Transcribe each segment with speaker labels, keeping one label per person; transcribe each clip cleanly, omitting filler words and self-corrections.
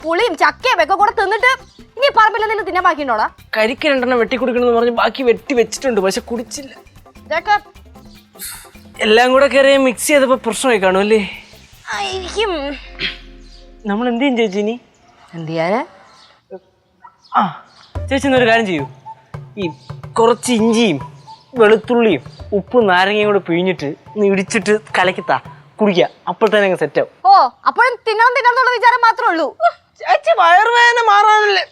Speaker 1: പുളിയും ചക്കയും ഒക്കെ കൂടെ തിന്നിട്ട് ഇനി പറമ്പിൽ എന്തെങ്കിലും തിന്നാൻ ബാക്കിയുണ്ടോടാ?
Speaker 2: കരിക്ക് 2 എണ്ണം വെട്ടി കുടിക്കണമെന്ന് പറഞ്ഞ് ബാക്കി വെട്ടി വെച്ചിട്ടുണ്ട്, പക്ഷെ കുടിച്ചില്ല.
Speaker 1: ഇതൊക്കെ
Speaker 2: എല്ലാം കൂടെ കയറി മിക്സ് ചെയ്തപ്പോ പ്രശ്നമായി കാണുമല്ലേ?
Speaker 1: ആയിരിക്കും.
Speaker 2: നമ്മൾ എന്ത് ചെയ്യും ചേച്ചി ഇനി?
Speaker 1: എന്ത് ചെയ്യാനാ?
Speaker 2: ആ ചേച്ചി എന്നൊരു കാര്യം ചെയ്യൂ, ഈ കുറച്ച് ഇഞ്ചിയും വെളുത്തുള്ളിയും ഉപ്പും നാരങ്ങയും കൂടെ പിഴിഞ്ഞിട്ട് ഒന്ന് ഇടിച്ചിട്ട് കലക്കിത്താ കുടിക്കുക, അപ്പോൾ തന്നെ അങ്ങ് സെറ്റ് ആവും.
Speaker 1: ഓ, അപ്പോഴും തിന്നണം വിചാരം മാത്രമേ ഉള്ളൂ.
Speaker 2: ചേച്ചി വയറുവേദന മാറാനല്ലേ?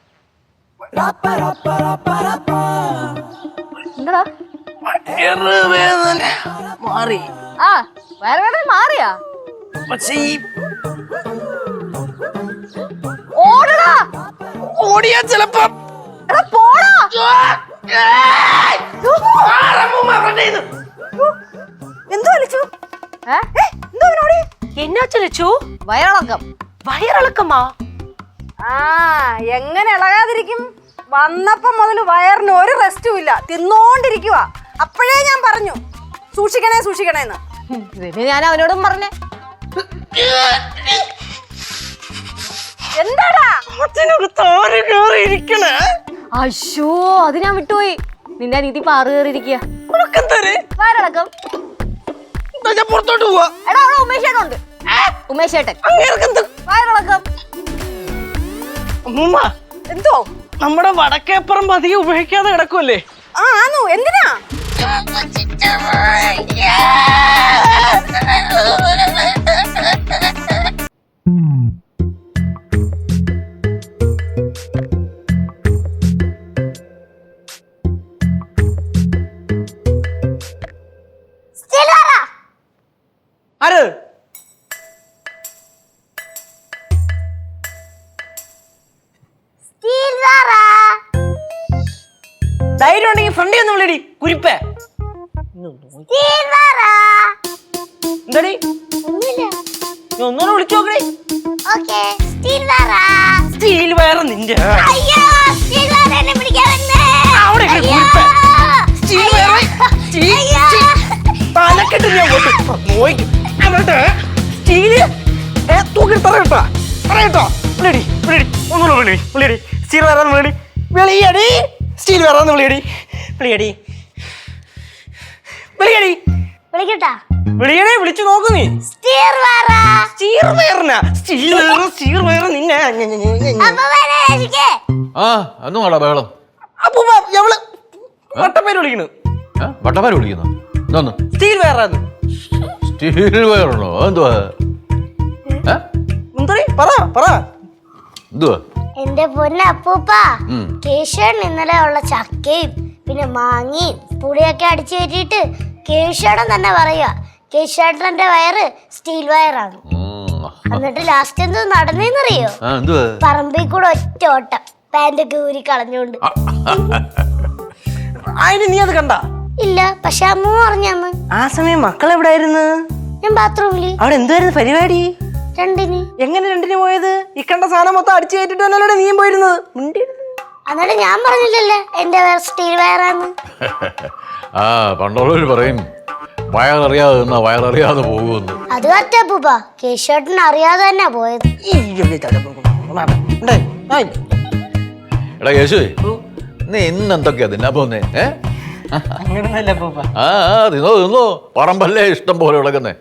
Speaker 1: എന്താ
Speaker 2: വയറുവേദന മാറി?
Speaker 1: ആ, വയറുവേദന മാറിയാ?
Speaker 2: പക്ഷേ ഈ
Speaker 1: ഓടടാ,
Speaker 2: ഓടിയാ ചിലപ്പോ
Speaker 1: പോടാ.
Speaker 3: എന്തോ വിളിച്ചു? എന്നാച്ചു ലച്ചു?
Speaker 1: വയറിളക്കം.
Speaker 3: വയറിളക്കമാ?
Speaker 1: ആ, എങ്ങനെ ഇളകാതിരിക്കും? വന്നപ്പോ മുതൽ വയറിന് ഒരു റെസ്റ്റും ഇല്ല, തിന്നോണ്ടിരിക്കുക.
Speaker 3: അപ്പോഴേ ഞാൻ പറഞ്ഞു സൂക്ഷിക്കണേ സൂക്ഷിക്കണേന്ന്.
Speaker 1: ഞാൻ അവനോടും പറഞ്ഞേ. എന്താടാ അശോ, അത് ഞാൻ വിട്ടുപോയി. നിന്റെ നീതി പാറു കയറിയിരിക്കുക. വയറിളക്കം.
Speaker 2: പുറത്തോട്ട് പോവാ.
Speaker 1: എടാ, അവിടെ ഉമേഷേട്ടുണ്ട്. ഉമേഷേട്ടൻ വയറിളക്കം.
Speaker 3: എന്തോ
Speaker 2: നമ്മുടെ വടക്കേപ്പുറം അധികം ഉപയോഗിക്കാതെ കിടക്കുമല്ലേ?
Speaker 3: ആണോ? എന്തിനാ?
Speaker 2: ആര്? ധൈര്യം ഉണ്ടെങ്കിൽ ഫ്രണ്ടി ഒന്ന് വിളിയടി കുരിപ്പേ. എന്താടി ഒന്നൂടെ വിളിച്ചു നോക്കണേ. സ്റ്റീൽ വയറ് നിന്റെ അവിടെ തലക്കെട്ട് ഞാൻ നോക്കും. സ്റ്റീല് തൂക്കി പറയട്ടോ പറയട്ടോ. വിളിയടി വിളിയടി ഒന്നുകൂടെ വിളി വിളിയടി. സ്റ്റീൽ വയറാന്ന് വിളിയടി വിളിയടി. സ്റ്റീൽ വയറാന്ന് വിളിയടി വിളിയടി വിളിയടി വിളിയടി. വിളിച്ചു നോക്കു നീ. സ്റ്റീൽ വയറിനാ? സ്റ്റീൽ വയറ് സ്റ്റീൽ വയറ് നിന്നെ.
Speaker 4: ആ ഒന്നും വേടാ ബഹളം.
Speaker 2: അപ്പൊ എവള് വട്ടപ്പേര് വിളിക്കണു.
Speaker 4: വട്ടപ്പേര് വിളിക്കുന്നു? എന്തോന്ന്?
Speaker 2: സ്റ്റീൽ വയറാന്ന്.
Speaker 4: സ്റ്റീൽ വയറുണ്ടോ? എന്തുവാ
Speaker 2: പറ പറ.
Speaker 4: എന്തുവാ?
Speaker 5: എന്റെ പൊന്നെ അപ്പൂപ്പ, കേശവൻ ഇന്നലെ ഉള്ള ചക്കയും പിന്നെ മാങ്ങയും പുളിയൊക്കെ അടിച്ചു കയറ്റിയിട്ട് കേശവൻ തന്നെ പറയുക കേശവേട്ടന്റെ വയറ് സ്റ്റീൽ വയറാണ്. എന്നിട്ട് ലാസ്റ്റ് എന്തോ നടന്നേന്നറിയോ? പറമ്പിൽ കൂടെ ഒറ്റ ഓട്ടം, പാന്റൊക്കെ ഊരി കളഞ്ഞോണ്ട്.
Speaker 2: അതിന് നീ അത് കണ്ട?
Speaker 5: ഇല്ല, പക്ഷെ അമ്മ പറഞ്ഞന്ന്.
Speaker 2: ആ സമയം മക്കൾ എവിടെയായിരുന്നു?
Speaker 5: ഞാൻ ബാത്റൂമില്.
Speaker 2: അവിടെ എന്തുവായിരുന്നു പരിപാടി?
Speaker 5: രണ്ടിന്.
Speaker 2: എങ്ങനെ രണ്ടിന് പോയത്? ഈ കണ്ട സാധനം മൊത്തം അടിച്ചു കയറ്റിട്ട് തന്നെയല്ലേ നീയും പോയിരുന്നത്?
Speaker 5: എന്നിട്ട് ഞാൻ പറഞ്ഞില്ലല്ലേ എന്റെ സ്റ്റീൽ വയറാന്ന്.
Speaker 4: ആ പണ്ടുള്ളവര് പറയും വയററിയാതെ നിന്നാ വയററിയാതെ പോകുമെന്ന്.
Speaker 5: അത് കറ്റപ്പൂപ്പ, കേശവേട്ടൻ അറിയാതെ തന്നെ പോയത്.
Speaker 4: എടാ കേശുവേ, നീ ഇന്നെന്തൊക്കെയാ തിന്നാ പോന്നേ? ആ തിന്നോ തിന്നോ, പറമ്പല്ലേ ഇഷ്ടം പോലെ വിളക്കുന്നേ.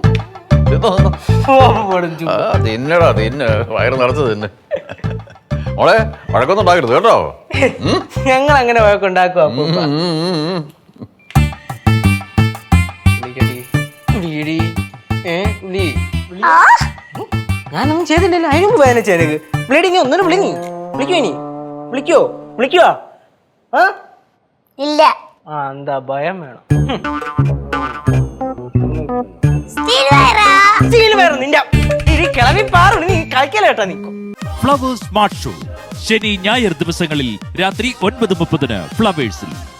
Speaker 4: തിന്നടാ തിന്ന്, വയറ് നിറച്ച് തിന്ന്. മോളെ വഴക്കൊന്നും ഉണ്ടാക്കരുത് കേട്ടോ.
Speaker 2: ഞങ്ങൾ അങ്ങനെ വഴക്കുണ്ടാക്കുക. ഞാനൊന്നും ചെയ്തില്ലല്ലോ, അതിനും വേദന ചേനക്ക്. ബ്ലീഡിങ് ഒന്നും വിളിങ്ങി വിളിക്കോ? ഇനി വിളിക്കോ? വിളിക്കുവാ?
Speaker 5: ഇല്ല.
Speaker 2: ആ എന്താ ഭയം വേണം? കിളവി പാറു നീ കളിക്കലേട്ടാ. നീ
Speaker 6: ഫ്ലവേഴ്സ് സ്മാർട്ട് ഷോ ശനി ഞായർ ദിവസങ്ങളിൽ രാത്രി 9:30 ഫ്ലവേഴ്സിൽ.